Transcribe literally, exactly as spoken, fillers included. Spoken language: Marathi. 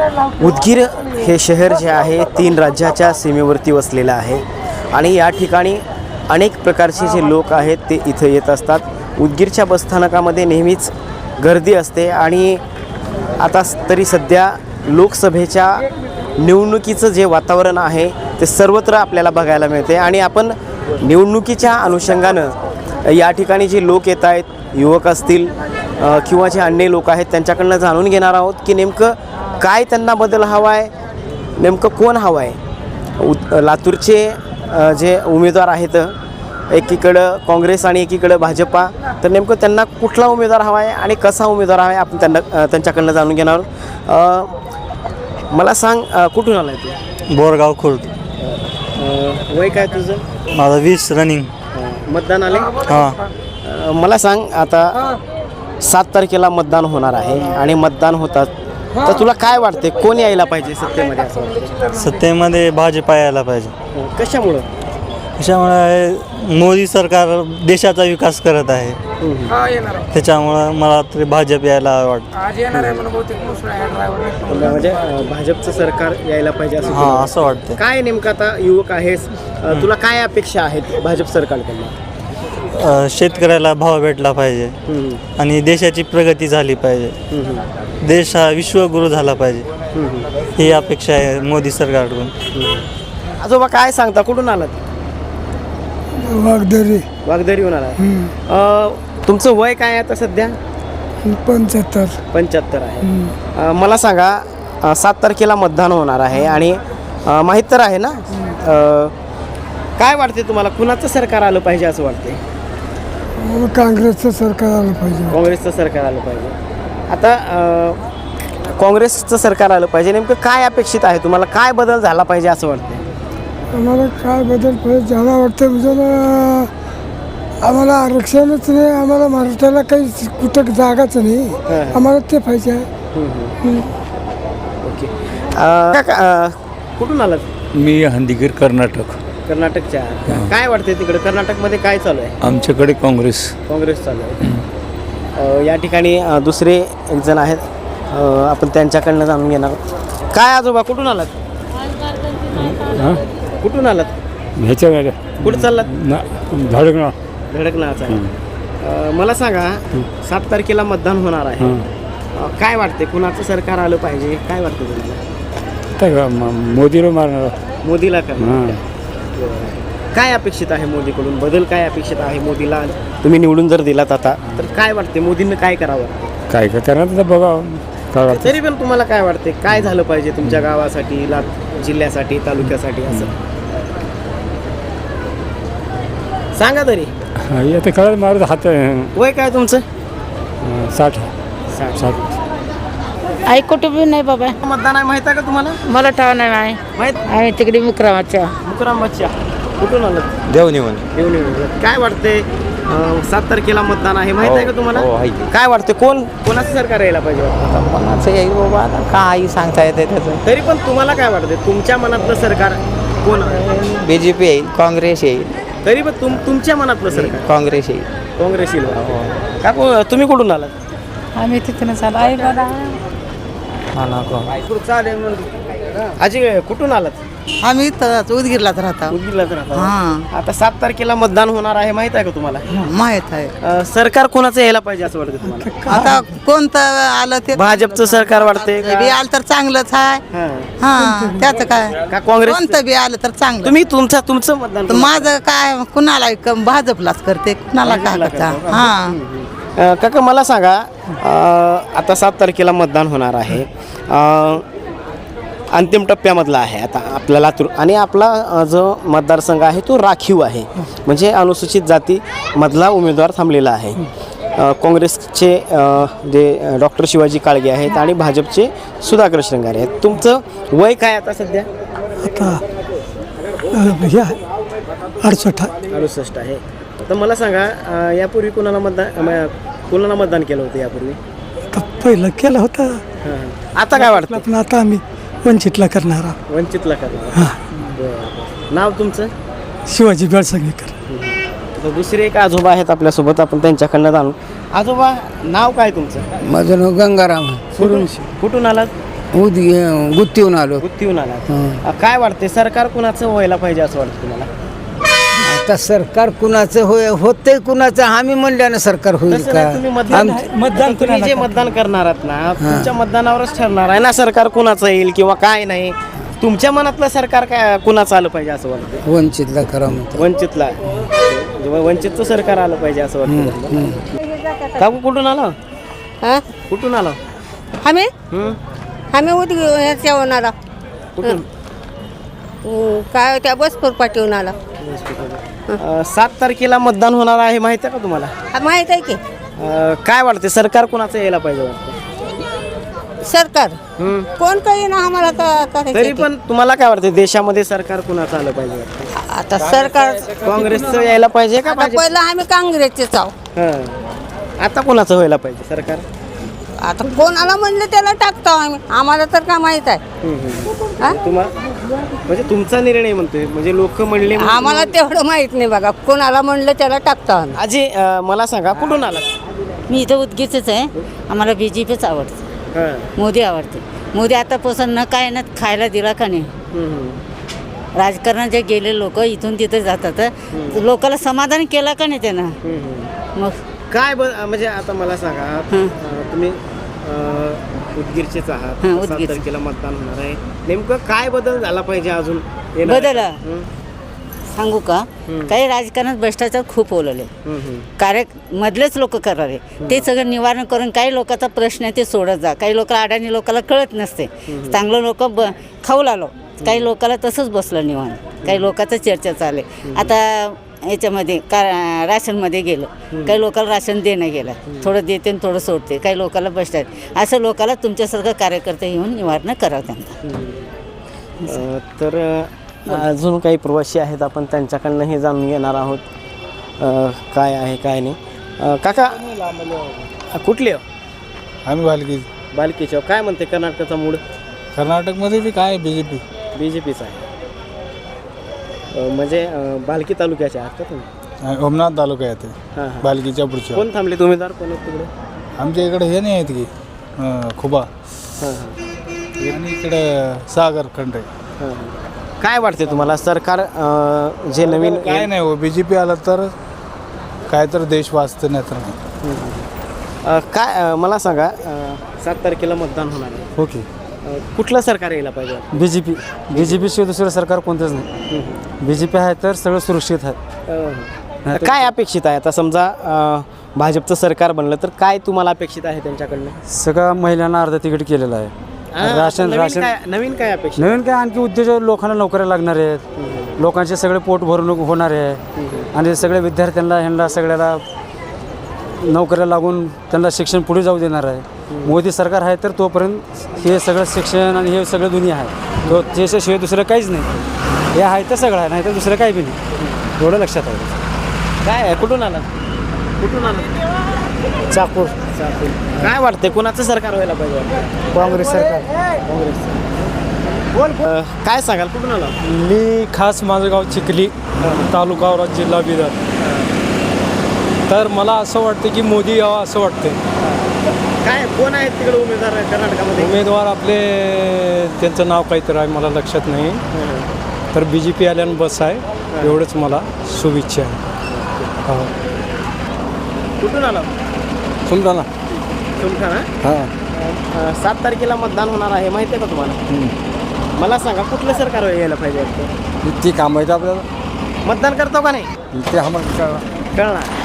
उदगीर हे शहर जे आहे तीन राज्याच्या सीमेवरती वसलेलं आहे आणि या ठिकाणी अनेक प्रकारचे जे लोक आहेत ते इथं येत असतात. उदगीरच्या बसस्थानकामध्ये नेहमीच गर्दी असते आणि आता तरी सध्या लोकसभेच्या निवडणुकीचं जे वातावरण आहे ते सर्वत्र आपल्याला बघायला मिळते आणि आपण निवडणुकीच्या अनुषंगानं या ठिकाणी जे लोक येत आहेत, युवक असतील किंवा जे अन्य लोक आहेत, त्यांच्याकडनं जाणून घेणार आहोत की नेमकं काय त्यांना बदल हवा आहे, नेमकं कोण हवं आहे. उ लातूरचे जे उमेदवार आहेत, एकीकडं काँग्रेस आणि एकीकडं भाजपा, तर नेमकं त्यांना कुठला उमेदवार हवा आहे आणि कसा उमेदवार हवा आहे आपण त्यांना त्यांच्याकडनं जाणून घेणार आहोत. मला सांग, कुठून आला आहे तू? बोरगाव खुर्द. वय काय तुझं? माझं वीस रनिंग. मतदान आले? हां. मला सांग, आता सात तारखेला मतदान होणार आहे आणि मतदान होतात तर तुला काय वाटते कोण यायला पाहिजे सत्तेमध्ये असं वाटतं? सत्तेमध्ये भाजपा यायला पाहिजे. कशामुळं? त्याच्यामुळे मोदी सरकार देशाचा विकास करत आहे, त्याच्यामुळं मला तरी भाजप यायला वाटतं. म्हणजे भाजपचं सरकार यायला पाहिजे असं? हां, असं वाटतं. काय नेमकं आता युवक आहेस, तुला काय अपेक्षा आहेत भाजप सरकारकडनं? शेतकऱ्याला भाव भेटला पाहिजे आणि देशाची प्रगती झाली पाहिजे, देश हा विश्वगुरु झाला पाहिजे, ही अपेक्षा आहे मोदी सरकारकडून. आजोबा काय सांगता, कुठून आलात? वागदरी. वागदरीहून आलात. तुमचं वय काय आहे आता सध्या? पंच्याहत्तर. पंच्याहत्तर आहे. अ, मला सांगा, सात तारखेला मतदान होणार आहे आणि अ, माहीत तर आहे ना, अ, काय वाटते तुम्हाला, कुणाचं सरकार आलं पाहिजे असं वाटते? काँग्रेसचं सरकार आलं पाहिजे. काँग्रेसचं सरकार आलं पाहिजे. आता अ, काँग्रेसचं सरकार आलं पाहिजे, नेमकं काय अपेक्षित आहे तुम्हाला, काय बदल झाला पाहिजे असं वाटतं? आम्हाला काय बदल पाहिजे झाला वाटतं म्हणजे आम्हाला आरक्षणच नाही, आम्हाला मराठ्याला काही कुठं जागाच नाही, आम्हाला ते पाहिजे. ओके. अ, कुठून आलात? मी हंदीगीर, कर्नाटक. कर्नाटकच्या. काय वाटते तिकडे कर्नाटकमध्ये काय चालू आहे? आमच्याकडे काँग्रेस. काँग्रेस चालू आहे. अ, या ठिकाणी अ, दुसरे एक जण आहेत, अ, आपण त्यांच्याकडनं जाणून घेणार. काय आजोबा, कुठून आलात? कुठून आलात? ह्याच्या वेळेला कुठं चाललात? ना धडकणं. धडकनाचा आहे. मला सांगा, सात तारखेला मतदान होणार आहे, अ, काय वाटते कुणाचं सरकार आलं पाहिजे, काय वाटतं तुम्हाला? मोदीला मारणार. मोदीला करणार. काय अपेक्षित आहे मोदीकडून, बदल काय अपेक्षित आहे? मोदीला तुम्ही निवडून जर दिलात आता तर काय वाटते मोदींनी काय करावं? काय काय करणार तर बघा. तरी पण तुम्हाला काय वाटते, काय झालं पाहिजे तुमच्या गावासाठी, ला जिल्ह्यासाठी, तालुक्यासाठी असं सांगा तरी. आता कळत मारत हात. वय काय तुमचं? साठ. साठ. साठ. आई कुठं बी नाही बाबा. मतदान आहे माहित आहे का तुम्हाला? मला ठाव नाही माही. माहित? आम्ही तिकडे मुकरामाच्या. मुकरामाच्या. कुठून आलं? देवनिवन. येऊन येऊन काय वाटते, सात तारखेला मतदान आहे माहित आहे का तुम्हाला? हो, आहे. काय वाटते कोण कोणाचं सरकार यायला पाहिजे वाटतं? कोणाचं येईल बाबा, आता काही सांगता येते त्याचं. तरी पण तुम्हाला काय वाटते, तुमच्या मनातलं सरकार कोण? बी जे पी येईल, काँग्रेस येईल. तरी पण तुम तुमच्या मनातलं सरकार? काँग्रेस येईल. काँग्रेस येईल. का को- तुम्ही कुठून आलात? आम्ही तिथून चालू आई बाबा. आजी कुठून आलात? आम्ही इथं उदगीरलाच राहतो. उदगीरलाच राहता. हां, आता सात तारखेला मतदान होणार आहे माहित आहे का तुम्हाला? माहित आहे. अ, सरकार कोणाचं यायला पाहिजे असं वाटतं तुम्हाला? आता कोणतं आलं ते भाजपचं सरकार वाटते बी आलं तर चांगलंच आहे. हा. हा, त्याचं काय, का काँग्रेस? कोणतं बी आलं तर चांगलं. तुम्ही तुमचा तुमचं मतदान तर माझं काय, कुणाला क- भाजपलाच करते, कुणाला काय करता. हा, अ, काका मला सांगा, अ, आता सात तारखेला मतदान होणार आहे, अ, अंतिम टप्प्यामधला आहे आता आपला लातूर आणि आपला अ, जो मतदारसंघ आहे तो राखीव आहे, म्हणजे अनुसूचित जातीमधला उमेदवार थांबलेला आहे. अ, काँग्रेसचे अ, जे डॉक्टर शिवाजी काळगे आहेत आणि भाजपचे सुधाकर श्रृंगारे आहेत. तुमचं वय काय आता सध्या? आता ह्या अडसष्ट. अडुसष्ट आहे. तर मला सांगा, अ, यापूर्वी कोणाला मतदान अ, कोणाला मतदान केलं होतं यापूर्वी? आता पहिलं केलं होतं, हां. आता काय वाटतं? पण आता आम्ही वंचितला करणार आहोत. वंचितला करणार. बरं. नाव तुमचं? शिवाजी बेळसंगीकर. तर दुसरे एक आजोबा आहेत आपल्यासोबत, आपण त्यांच्याकडनं जाणू. आजोबा नाव काय तुमचं? माझं नाव गंगाराम. कुठून कुठून आलात? उद गुत्तीहून आलो. गुत्तीहून आला. काय वाटते सरकार कुणाचं व्हायला पाहिजे असं वाटतं तुम्हाला? आता सरकार कुणाचं होय होतंय कुणाचं आम्ही म्हणल्यानं सरकार होईल तसं का? नाही, तुम्ही मतदान मतदान तुम्ही जे मतदान करणार आहात ना तुमच्या मतदानावरच ठरणार आहे ना सरकार कुणाचं येईल किंवा काय नाही. तुमच्या मनातलं सरकार काय कुणाचं आलं पाहिजे असं वाटतं? वंचितला करा म्हणतो. वंचितला म्हणजे वंचितचं सरकार आलं पाहिजे असं वाटतं. काकू कुठून आलो? हा? कुठून आलो? आम्ही हं? आम्ही उद ह्याच्या आला कुठून? काय त्या बसपूर पाठवून आला. अं, सात तारखेला मतदान होणार आहे माहिती आहे का तुम्हाला? हा, माहित आहे की अं, काय वाटते सरकार कुणाचं यायला पाहिजे वाटतं? सरकार हं? कोण काही ना आम्हाला का- करायचं तरी ते. पण तुम्हाला काय वाटते देशामध्ये सरकार कुणाचं आलं पाहिजे वाटतं? आता सरकार काँग्रेसचं यायला पाहिजे का आता भाजप? पहिलं आम्ही काँग्रेसचेच आहो. हं. आता कुणाचं व्हायला पाहिजे सरकार? आता कोणाला म्हणलं त्याला टाकतो आम्ही आम्हाला तर काय माहित आहे. हं, हं. हा? तुम्हा म्हणजे तुमचा निर्णय म्हणतोय म्हणजे लोक म्हणले म्हणून- आम्हाला तेवढं माहित नाही बघा कोणाला म्हणलं त्याला टाकतो आम्ही. आजी अं, मला सांगा कुठून आला? मी इथं उदगीरच आहे. आम्हाला बी जे पीच आवडतं. मोदी आवडते. मोदी आतापासून न काय ना खायला दिला का नाही. राजकारणात जे गेले लोक इथून तिथे जातात लोकांना समाधान केलं का नाही त्यानं. मग काय ब म्हणजे आता मला सांगा हं. अं, तुम्ही अं, उदगीरचेच आहात हं, सात उदगीर. तारखेला मतदान होणार आहे नेमकं काय बदल झाला पाहिजे अजून येणार? बदल हं, सांगू का हं. काही राजकारणात भ्रष्टाचार खूप ओलवले. हं, हं. कार्य मधलेच लोक करावे ते सगळं निवारण करून काही लोकांचा प्रश्न आहे ते सोडत जा. काही लोक अडाणी लोकांना कळत नसते. चांगलं लोक ब खाऊ लागलो काही लोकांना तसंच बसलं निवारण. काही लोकांचं चर्चा चालले. आता याच्यामध्ये का राशनमध्ये गेलं काही लोकांना राशन देणं गेलं थोडं देते आणि थोडं सोडते काही लोकांना बसतात असं लोकांना तुमच्यासारखं कार्यकर्ते येऊन निवारण करावं त्यांना. अं, तर अं, अजून काही प्रवासी आहेत आपण त्यांच्याकडनंही जाणून घेणार आहोत अं, काय आहे काय नाही. अं, काका कुठले हो? आम्ही बालकी बालकीच्या काय म्हणते कर्नाटकाचा मूड? कर्नाटकमध्ये बी काय B J P B J पीचा आहे. अं, म्हणजे अं, बालकी तालुक्याचे आहात का तुम्ही? ओमनाथ तालुका येते हां हां. बालकीच्या पुढच्या. कोण थांबले उमेदवार कोण आहेत तिकडे? आमच्या इकडे हे नाही आहेत की अं, खुबा हां हां आणि इकडे सागर खंड आहे. हां हां. काय वाटते तुम्हाला सरकार अं, जे नवीन काय नाही हो बी जे पी आलं तर काय तर देश वाचते नाही तर नाही. अं, काय अं, मला सांगा अं, सात तारखेला मतदान होणार आहे. ओके. अं, कुठलं सरकार यायला पाहिजे? B J P B J पीशिवाय दुसरं सरकार कोणतंच नाही. बी जे पी आहे तर सगळं सुरक्षित आहे. अं, काय अपेक्षित आहे आता समजा अं, भाजपचं सरकार बनलं तर काय तुम्हाला अपेक्षित आहे त्यांच्याकडनं? सगळ्या महिलांना अर्ध तिकीट केलेलं आहे. अं, राशन नवीन राशन काय नवीन काय अपेक्षित? नवीन काय आणखी उद्योजक लोकांना नोकऱ्या लागणार आहेत. लोकांचे सगळे पोट भरून होणार आहे आणि सगळ्या विद्यार्थ्यांना ह्यांना सगळ्याला नोकऱ्या लागून त्यांना शिक्षण पुढे जाऊ देणार आहे. मोदी सरकार आहे तर तोपर्यंत हे सगळं शिक्षण आणि हे सगळं दुनिया आहे तो त्याच्याशिवाय दुसरं काहीच नाही. हे आहे तर सगळं आहे नाही तर दुसरं काही बी नाही. एवढं लक्षात आहे. काय आहे? कुठून आला कुठून आला? चाकूर काय वाटते कुणाचं सरकार व्हायला पाहिजे? काँग्रेस सरकार. काँग्रेस. अं, काय सांगाल कुठून आला? मी खास माझं गाव चिखली तालुका औरंगाबाद जिल्हा बिदर. तर मला असं वाटतं की मोदी यावं असं वाटतं. काय कोण आहेत तिकडे उमेदवार कर्नाटकामध्ये? उमेदवार आपले त्यांचं नाव काहीतरी आहे मला लक्षात नाही. तर बी जे पी आल्यानं बस आहे एवढंच मला शुभेच्छा आहे. हो. कुठून आला? सुमताना. तुमचा ना? हां. सात तारखेला मतदान होणार आहे माहिती आहे का तुम्हाला? मला सांगा कुठलं सरकार यायला पाहिजे? ती काम आहेत आपल्याला मतदान करतो का नाही ते आम्हाला कळणार?